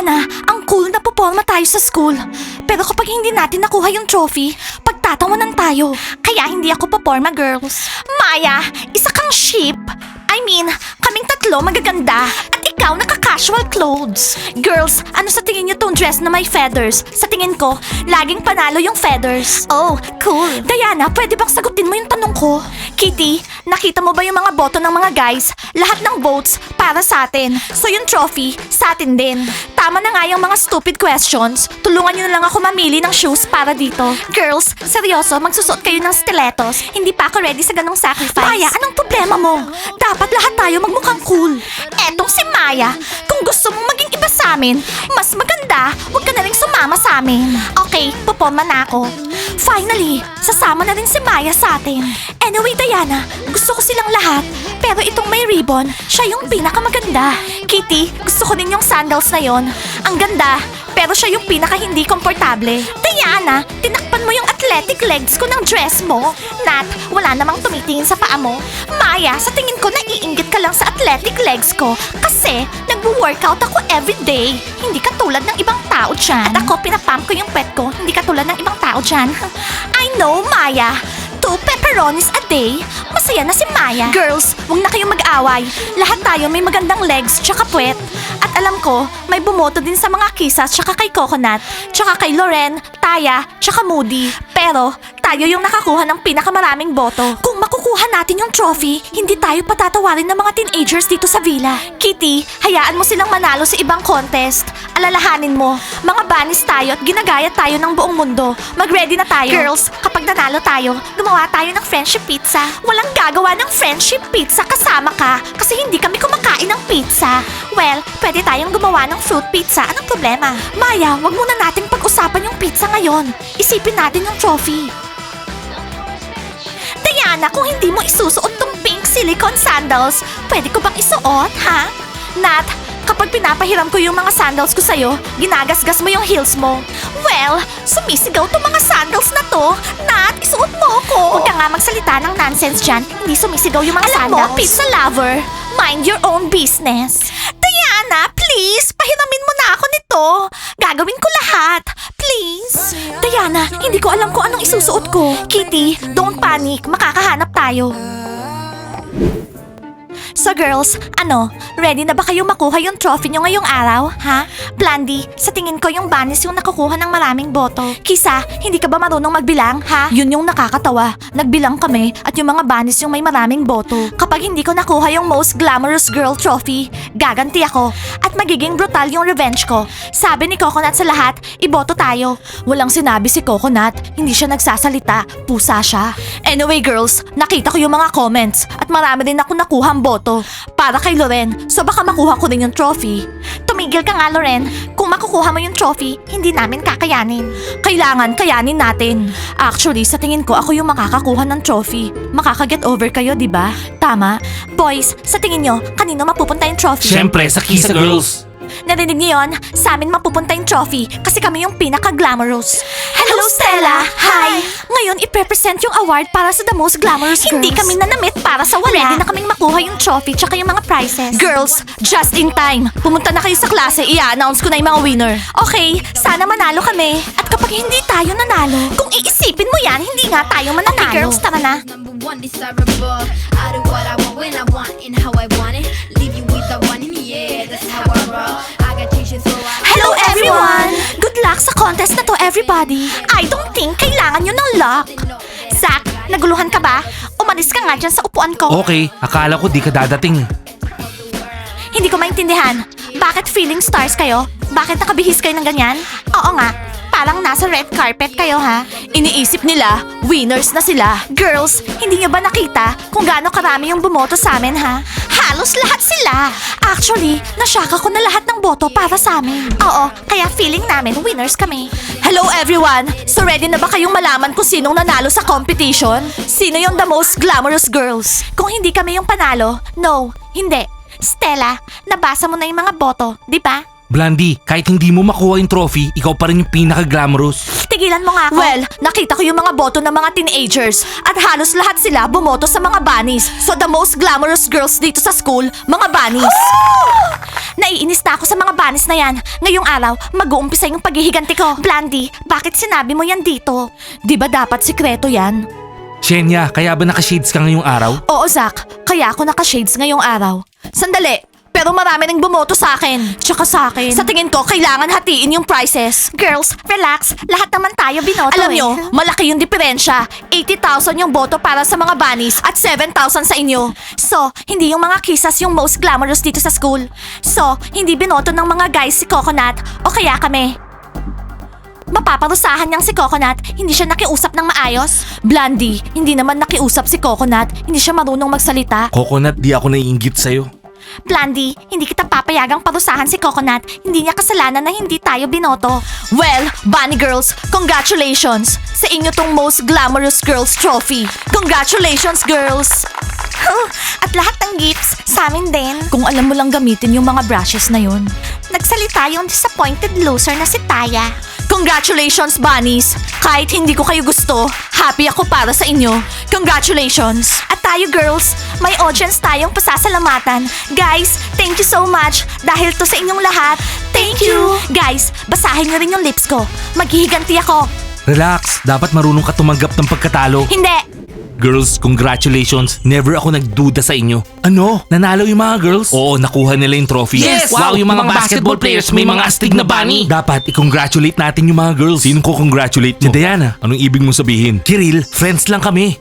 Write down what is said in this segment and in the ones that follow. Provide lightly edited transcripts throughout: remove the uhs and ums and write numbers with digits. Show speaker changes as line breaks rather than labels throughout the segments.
Diana, ang cool na puporma tayo sa school. Pero kapag hindi natin nakuha yung trophy, pagtatawanan tayo. Kaya hindi ako puporma, girls. Maya, isa kang sheep. I mean, kaming tatlo magaganda at ikaw naka-casual clothes. Girls, ano sa tingin niyo tong dress na may feathers? Sa tingin ko, laging panalo yung feathers. Oh, cool. Diana, pwede bang sagutin mo yung tanong ko? Kitty, nakita mo ba yung mga boto ng mga guys? Lahat ng votes para sa atin. So yung trophy, sa atin din. Tama na nga yung mga stupid questions. Tulungan niyo na lang ako mamili ng shoes para dito. Girls, seryoso, magsusuot kayo ng stilettos. Hindi pa ako ready sa ganong sacrifice. Maya, anong problema mo? Dapat lahat tayo magmukhang cool. Etong si Maya, kung gusto mong maging iba sa amin, mas maganda, huwag ka na rin sumama sa amin. Okay, puporma na ako. Finally, sasama na rin si Maya sa atin. Anyway, Diana, gusto ko silang lahat. Pero itong may ribbon, siya yung pinakamaganda. Kitty, gusto ko din yung sandals na yon. Ang ganda, pero siya yung pinaka hindi komportable. Diana, tinakpan mo yung athletic legs ko ng dress mo. Nat, wala namang tumitingin sa paa mo. Maya, sa tingin ko naiinggit ka lang sa athletic legs ko kasi nagwo-workout ako everyday. Hindi katulad ng ibang tao dyan. At ako, pinapump ko yung pet ko. Hindi katulad ng ibang tao dyan. I know, Maya. 2 pepperonis a day. Masaya na si Maya. Girls, huwag na kayong mag-away. Lahat tayo may magandang legs tsaka puwet. At alam ko, may bumoto din sa mga kisas tsaka kay Coconut, tsaka kay Loren, Taya, tsaka Moody. Pero, tayo yung nakakuha ng pinakamaraming boto. Kung makukuha natin yung trophy, hindi tayo patatawarin ng mga teenagers dito sa villa. Kitty, hayaan mo silang manalo sa ibang contest. Alalahanin mo, mga banis tayo at ginagaya tayo ng buong mundo. Mag-ready na tayo. Girls, kapag nanalo tayo, gumawa tayo ng friendship pizza. Walang gagawa ng friendship pizza kasama ka kasi hindi kami kumakain ng pizza. Well, pwede tayong gumawa ng fruit pizza. Anong problema? Maya, wag muna nating pag-usapan yung pizza ngayon. Isipin natin yung trophy. Diana, kung hindi mo isusuot tong pink silicone sandals, pwede ko bang isuot, ha? Nat, kapag pinapahiram ko yung mga sandals ko sa'yo, ginagasgas mo yung heels mo. Well, sumisigaw tong mga sandals na to. Nat, isuot mo ko. Huwag ka nga magsalita ng nonsense dyan. Hindi sumisigaw yung mga sandals. Alam mo, pizza lover, mind your own business. Diana, please, pahiramin mo na ako nito. Gagawin ko lahat. Please. Diana, hindi ko alam kung anong isusuot ko. Kitty, don't panic. Makakahanap tayo. So girls, ready na ba kayo makuha yung trophy nyo ngayong araw, ha? Blandy, sa tingin ko yung bunnies yung nakukuha ng maraming boto. Kisa, hindi ka ba marunong magbilang, ha? Yun yung nakakatawa. Nagbilang kami at yung mga bunnies yung may maraming boto. Kapag hindi ko nakuha yung most glamorous girl trophy, gaganti ako. At magiging brutal yung revenge ko. Sabi ni Coconut sa lahat, iboto tayo. Walang sinabi si Coconut, hindi siya nagsasalita, pusa siya. Anyway girls, nakita ko yung mga comments at marami din ako nakuhang boto. Para kay Loren, so baka makuha ko rin yung trophy. Tumigil ka nga, Loren. Kung makukuha mo yung trophy, hindi namin kakayanin. Kailangan kayanin natin. Actually, sa tingin ko ako yung makakakuha ng trophy. Makakaget over kayo, di ba? Tama. Boys, sa tingin nyo, kanino mapupunta yung trophy?
Siyempre, sa Kisa Girls.
Narinig niyo yun? Sa amin mapupunta yung trophy kasi kami yung pinaka-glamorous. Hello, Stella! Hi! Ngayon, iprepresent yung award para sa the most glamorous girls. Hindi kami nanamit para sa wala. Ready na kaming makuha yung trophy tsaka yung mga prizes. Girls, just in time. Pumunta na kayo sa klase, i-announce ko na yung mga winner. Okay, sana manalo kami. At kapag hindi tayo nanalo, kung iisipin mo yan, hindi nga tayo mananalo. Okay, girls, tara na.
Number one desirable. I do what I want when I want and how I want it. Leave you with the one in the air. That's how I roll. I got tissues so I.
Hello everyone! Good luck sa contest na to, everybody. I don't think kailangan nyo ng luck. Zach, naguluhan ka ba? Umalis ka nga dyan sa upuan ko.
Okay, akala ko di ka dadating.
Hindi ko maintindihan. Bakit feeling stars kayo? Bakit nakabihis kayo ng ganyan? Oo nga, parang nasa red carpet kayo ha? Iniisip nila, winners na sila. Girls, hindi nyo ba nakita kung gaano karami yung bumoto sa amin ha? Halos lahat sila. Actually, nasyaka ko na lahat ng boto para sa amin. Oo, kaya feeling namin winners kami. Hello everyone! So ready na ba kayong malaman kung sinong nanalo sa competition? Sino yung the most glamorous girls? Kung hindi kami yung panalo, no, hindi. Stella, nabasa mo na yung mga boto, di ba?
Blandy, kahit hindi mo makuha yung trophy, ikaw pa rin yung pinaka-glamorous.
Tigilan mo nga ako. Well, nakita ko yung mga boto ng mga teenagers at halos lahat sila bumoto sa mga bunnies. So the most glamorous girls dito sa school, mga bunnies. Naiinis na ako sa mga banis na yan. Ngayong araw, mag-uumpisa yung paghihiganti ko. Blandy, bakit sinabi mo yan dito? Di ba dapat sikreto yan?
Shenya, kaya ba naka-shades ka ngayong araw?
Oo, Zach. Kaya ako naka-shades ngayong araw. Sandali. Pero marami nang bumoto sa akin. Tsaka sa akin. Sa tingin ko, kailangan hatiin yung prizes. Girls, relax. Lahat naman tayo binoto. Alam nyo, malaki yung diferensya. 80,000 yung boto para sa mga bunnies at 7,000 sa inyo. So, hindi yung mga kisas yung most glamorous dito sa school. So, hindi binoto ng mga guys si Coconut o kaya kami. Mapaparusahan niyang si Coconut, hindi siya nakiusap ng maayos. Blandy, hindi naman nakiusap si Coconut, hindi siya marunong magsalita.
Coconut, di ako naiinggit sa'yo.
Blandy, hindi kita papayagang parusahan si Coconut. Hindi niya kasalanan na hindi tayo binoto. Well, Bunny Girls, congratulations! Sa inyo tong most glamorous girls trophy. Congratulations, girls! At lahat ng gifts, sa amin din. Kung alam mo lang gamitin yung mga brushes na yun. Nagsalita yung disappointed loser na si Taya. Congratulations, bunnies! Kahit hindi ko kayo gusto, happy ako para sa inyo. Congratulations! At tayo, girls, may audience tayong pasasalamatan. Guys, thank you so much dahil to sa inyong lahat. Thank you! Guys, basahin niyo rin yung lips ko. Maghihiganti ako.
Relax, dapat marunong ka tumanggap ng pagkatalo.
Hindi!
Girls, congratulations. Never ako nagduda sa inyo. Ano? Nanalo yung mga girls? Oo, nakuha nila yung trophy.
Yes!
Wow, yung mga basketball players may mga astig na bunny. Dapat i-congratulate natin yung mga girls. Sinong ko congratulate mo? Si Diana. Anong ibig mong sabihin? Kiril, friends lang kami.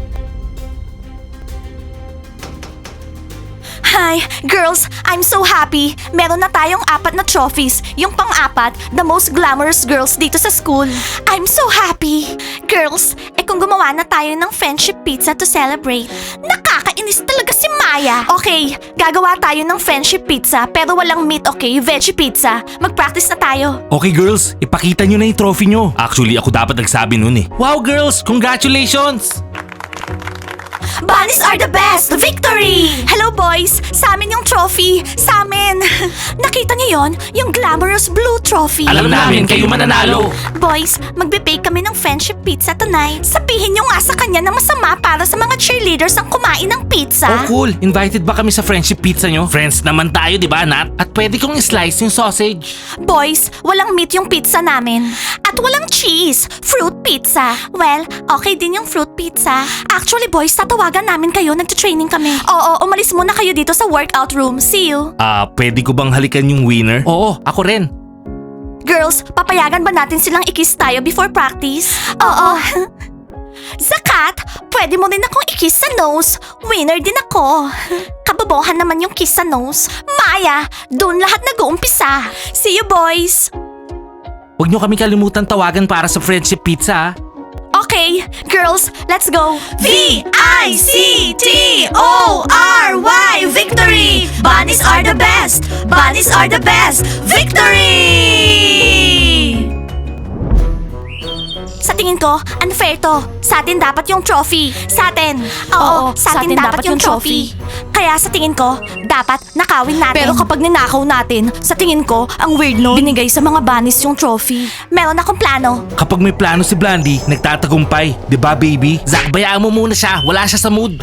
Hi, girls! I'm so happy! Meron na tayong 4 na trophies. Yung pang-apat, the most glamorous girls dito sa school. I'm so happy! Girls, kung gumawa na tayo ng friendship pizza to celebrate. Nakakainis talaga si Maya! Okay, gagawa tayo ng friendship pizza pero walang meat, okay? Veggie pizza. Mag-practice na tayo.
Okay girls, ipakita nyo na yung trophy nyo. Actually, ako dapat nagsabi nun eh. Wow girls, congratulations!
Bunnies are the best! Victory! Hello boys! Sa amin yung trophy! Sa amin! Nakita niyo yon? Yung glamorous blue trophy.
Alam namin kayo mananalo.
Boys, magbe-bake kami ng friendship pizza tonight. Sabihin niyo nga sa kanya na masama para sa mga cheerleaders ang kumain ng pizza.
Oh cool, invited ba kami sa friendship pizza nyo? Friends naman tayo, di ba Nat? At pwede kong i-slice yung sausage.
Boys, walang meat yung pizza namin. At walang cheese. Fruit pizza. Well, okay din yung fruit pizza. Actually boys, tatawagan namin kayo. Nagtitraining kami. Oo, umalis muna kayo dito sa workout room. See you.
Pwede ko bang halikan yung winner? Oo, ako rin.
Girls, papayagan ba natin silang i-kiss tayo before practice? Oo. Zakat, pwede mo rin akong i-kiss sa nose. Winner din ako. Kabobohan naman yung kiss sa nose. Maya, doon lahat nag-uumpisa. See you boys.
Huwag nyo kami kalimutan tawagan para sa friendship pizza ha?
Okay, girls, let's go. V-I-C-T-O-R-Y Victory! Bunnies are the best! Bunnies are the best! Victory! Sa tingin ko, unfair to. Sa atin dapat yung trophy. Sa atin. Oo, sa atin dapat yung trophy. Kaya sa tingin ko, dapat nakawin natin. Pero kapag ninakaw natin, sa tingin ko, ang weird no, binigay sa mga bunnies yung trophy. Meron akong plano.
Kapag may plano si Blandy, nagtatagumpay. Di ba baby? Zach, bayaan mo muna siya. Wala siya sa mood.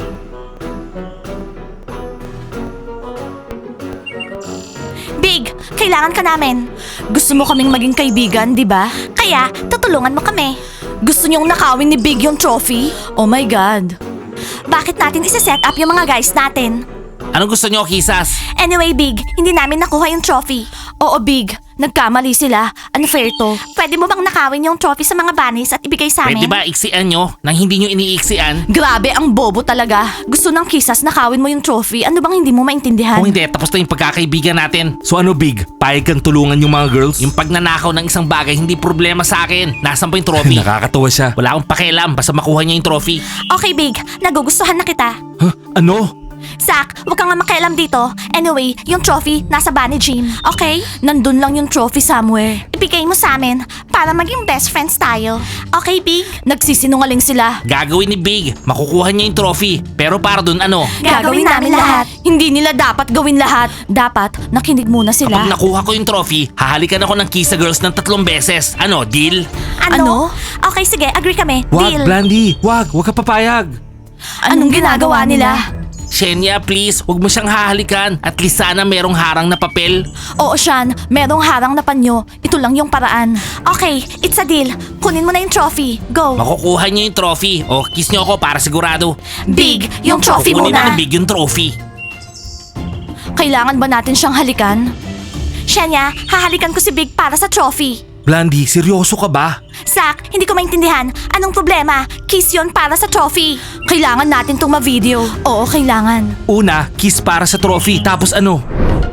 Big, kailangan ka namin. Gusto mo kaming maging kaibigan, di ba? Kaya, tutulungan mo kami. Gusto niyong nakawin ni Big yung trophy? Oh my God. Bakit natin isa-set up yung mga guys natin?
Anong gusto nyo, kisas?
Anyway, Big, hindi namin nakuha yung trophy. Oo, Big. Nagkamali sila. Unfair to. Pwede mo bang nakawin yung trophy sa mga bunnies at ibigay sa amin?
Pwede ba iksian nyo nang hindi nyo iniiksian?
Grabe, ang bobo talaga. Gusto ng kisas nakawin mo yung trophy. Ano bang hindi mo maintindihan?
Kung hindi, tapos na yung pagkakaibigan natin. So ano Big? Payag kang tulungan yung mga girls? Yung pagnanakaw ng isang bagay, hindi problema sa akin. Nasaan pa yung trophy? Nakakatawa siya. Wala akong pakialam, basta makuha niya yung trophy.
Okay, Big. Nagugustuhan na kita.
Huh? Ano?
Zach, huwag kang nga makialam dito. Anyway, yung trophy nasa Bunny Gym. Okay? Nandun lang yung trophy somewhere. Ibigay mo sa amin para maging best friends tayo. Okay, Big? Nagsisinungaling sila.
Gagawin ni Big. Makukuha niya yung trophy. Pero para dun ano?
Gagawin namin lahat. Hindi nila dapat gawin lahat. Dapat, nakinig muna sila.
Kapag nakuha ko yung trophy, hahalikan ako ng Kisa Girls ng 3 beses. Ano, deal?
Ano? Okay, sige. Agree kami.
Wag,
Deal.
Blandy. Wag ka papayag.
Anong ginagawa nila?
Shenya, please, wag mo siyang hahalikan. At least sana merong harang na papel.
Oo, Sean. Merong harang na panyo. Ito lang yung paraan. Okay, it's a deal. Kunin mo na yung trophy. Go.
Makukuha niyo yung trophy. O, kiss niyo ako para sigurado.
Big, yung trophy
Kukunin
muna.
na ni Big yung trophy.
Kailangan ba natin siyang halikan? Shenya, hahalikan ko si Big para sa trophy.
Blandy, seryoso ka ba?
Zach, hindi ko maintindihan. Anong problema? Kiss yon para sa trophy. Kailangan natin itong ma-video. Oo, kailangan.
Una, kiss para sa trophy. Tapos ano?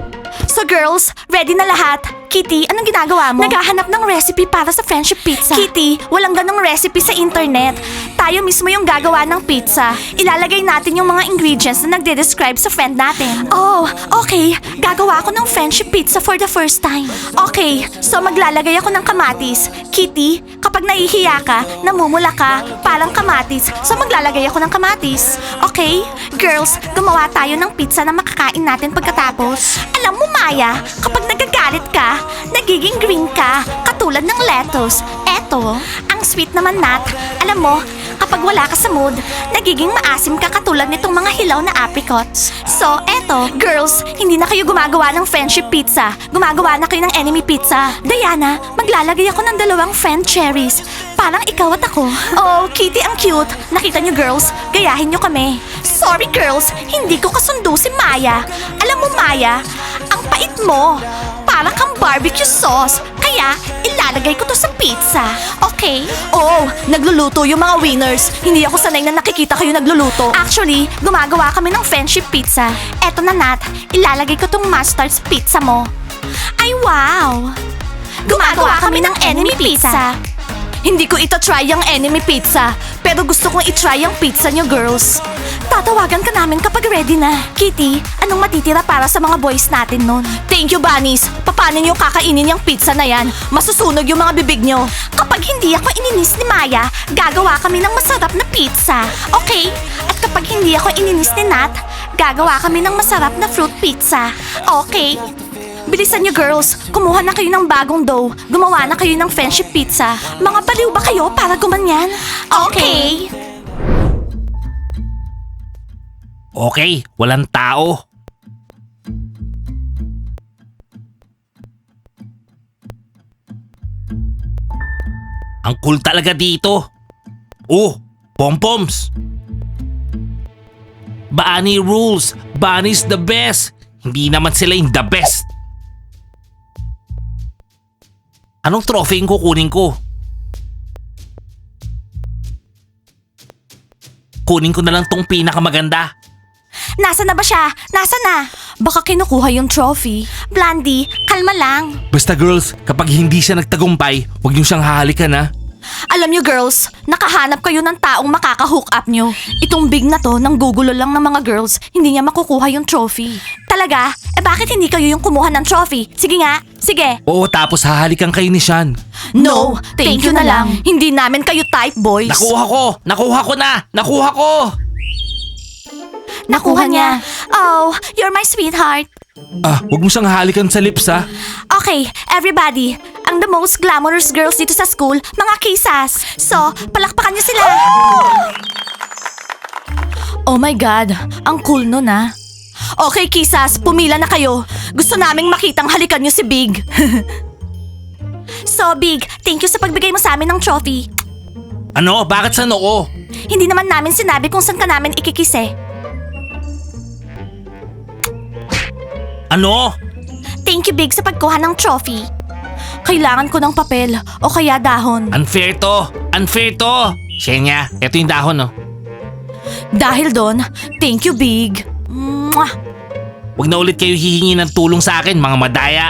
So girls, ready na lahat? Kitty, anong ginagawa mo? Naghahanap ng recipe para sa friendship pizza. Kitty, walang ganong recipe sa internet. Tayo mismo yung gagawa ng pizza. Ilalagay natin yung mga ingredients na nagde-describe sa friend natin. Oh, okay. Gagawa ako ng friendship pizza for the first time. Okay, so maglalagay ako ng kamatis. Kitty, kapag nahihiya ka, namumula ka, parang kamatis. So maglalagay ako ng kamatis. Okay? Girls, gumawa tayo ng pizza na makakain natin pagkatapos. Alam mo, Maya, kapag nagagalit ka, nagiging green ka, katulad ng lettuce. Eto, ang sweet naman, Nat. Alam mo, kapag wala ka sa mood, nagiging maasim ka katulad nitong mga hilaw na apricots. So, eto, girls, hindi na kayo gumagawa ng friendship pizza. Gumagawa na kayo ng enemy pizza. Diana, maglalagay ako ng 2 friend cherries. Parang ikaw at ako. Oh, Kitty, ang cute. Nakita niyo, girls, gayahin niyo kami. Sorry, girls, hindi ko kasundo si Maya. Alam mo, Maya, ang pait mo. Parang kang barbecue sauce. Kaya, ilalagay ko to sa pizza. Okay? Oh, nagluluto yung mga winners. Hindi ako sanay na nakikita kayo nagluluto. Actually, gumagawa kami ng friendship pizza. Eto na, Nat. Ilalagay ko tong mustard sa pizza mo. Ay, wow! Gumagawa kami ng enemy pizza. Hindi ko ito-try yung enemy pizza, pero gusto kong i-try yung pizza nyo, girls. Tatawagan ka namin kapag ready na. Kitty, anong matitira para sa mga boys natin nun? Thank you, bunnies. Paano nyo kakainin yung pizza na yan? Masusunog yung mga bibig nyo. Kapag hindi ako ininis ni Maya, gagawa kami ng masarap na pizza. Okay? At kapag hindi ako ininis ni Nat, gagawa kami ng masarap na fruit pizza. Okay? Bilisan niyo, girls. Kumuha na kayo ng bagong dough. Gumawa na kayo ng friendship pizza. Mga baliw ba kayo para gumanyan? Okay.
Okay, walang tao. Ang cool talaga dito. Oh, pom-poms. Bunny rules. Bunny's the best. Hindi naman sila yung the best. Anong trophy yung kukunin ko? Kunin ko na lang tong pinakamaganda.
Nasa na ba siya? Nasa na? Baka kinukuha yung trophy. Blandy, kalma lang.
Basta girls, kapag hindi siya nagtagumpay, huwag niyo siyang hahalikan ha.
Alam niyo, girls, nakahanap kayo ng taong makaka-hook up niyo. Itong big na to, nang gugulo lang ng mga girls, hindi niya makukuha yung trophy. Talaga? Eh bakit hindi kayo yung kumuha ng trophy? Sige nga, sige.
Oo, tapos hahalikan kayo ni Sean.
No, thank you na lang. Hindi namin kayo type, boys.
Nakuha ko! Nakuha ko na! Nakuha ko!
Nakuha niya. Oh, you're my sweetheart.
Ah, huwag mo siyang hahalikan sa lips ha.
Okay, everybody. Ang the most glamorous girls dito sa school, mga kisas. So, palakpakan niyo sila. Oh my God, ang cool nun ah. Okay, kisas, pumila na kayo. Gusto naming makitang halikan niyo si Big. So, Big, thank you sa pagbigay mo sa amin ng trophy.
Ano? Bakit sa noo?
Hindi naman namin sinabi kung saan ka namin ikikise.
Ano?
Thank you, Big, sa pagkuha ng trophy. Kailangan ko ng papel o kaya dahon.
Unfair to! Unfair to! Shenya, eto yung dahon no.
Dahil doon, thank you, Big. Mwah!
Huwag na ulit kayo hihingi ng tulong sa akin, mga madaya.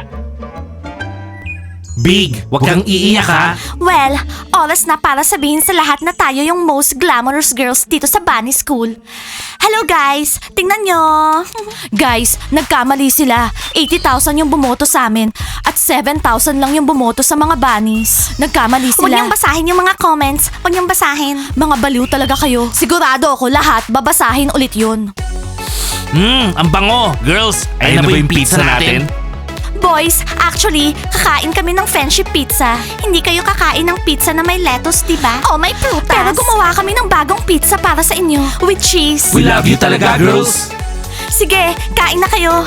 Big, huwag kang iiyak ha.
Well, oras na para sabihin sa lahat na tayo yung most glamorous girls dito sa Bunny School. Hello guys! Tingnan nyo! Guys, nagkamali sila. 80,000 yung bumoto sa amin at 7,000 lang yung bumoto sa mga bunnies. Nagkamali sila. Huwag niyong basahin yung mga comments. Huwag niyong basahin. Mga baliw talaga kayo. Sigurado ako lahat babasahin ulit yun.
Ang bango! Girls, ayun na ba yung pizza natin?
Boys, actually, kakain kami ng friendship pizza. Hindi kayo kakain ng pizza na may lettuce, diba? Oh, may prutas. Pero gumawa kami ng bagong pizza para sa inyo. With cheese.
We love you talaga, girls.
Sige, kain na kayo.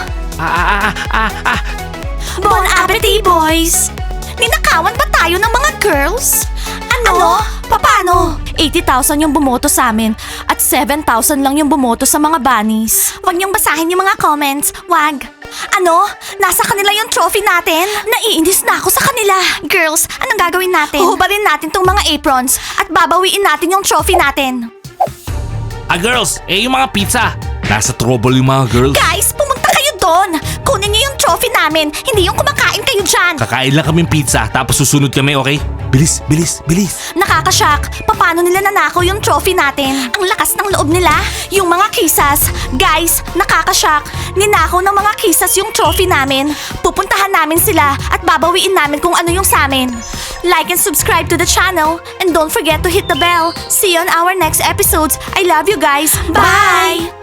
Bon appetit, boys! Ninakawan ba tayo ng mga girls? Ano? Paano? 80,000 yung bumoto sa amin at 7,000 lang yung bumoto sa mga bunnies. Huwag niyong basahin yung mga comments. Wag. Ano? Nasa kanila yung trophy natin? Naiinis na ako sa kanila. Girls, anong gagawin natin? Huhubarin natin tong mga aprons at babawiin natin yung trophy natin.
Girls, yung mga pizza. Nasa trouble yung mga girls.
Guys, pumunta kayo doon. Kunin niyo yung trophy namin, hindi yung kumakain kayo dyan.
Kakain lang kaming pizza tapos susunod kami, okay? Bilis, bilis, bilis.
Nakakashock. Paano nila nanakaw yung trophy natin? Ang lakas ng loob nila. Yung mga kisas. Guys, nakakashock. Ninakaw ng mga kisas yung trophy namin. Pupuntahan namin sila at babawiin namin kung ano yung sa amin. Like and subscribe to the channel. And don't forget to hit the bell. See you on our next episodes. I love you guys. Bye!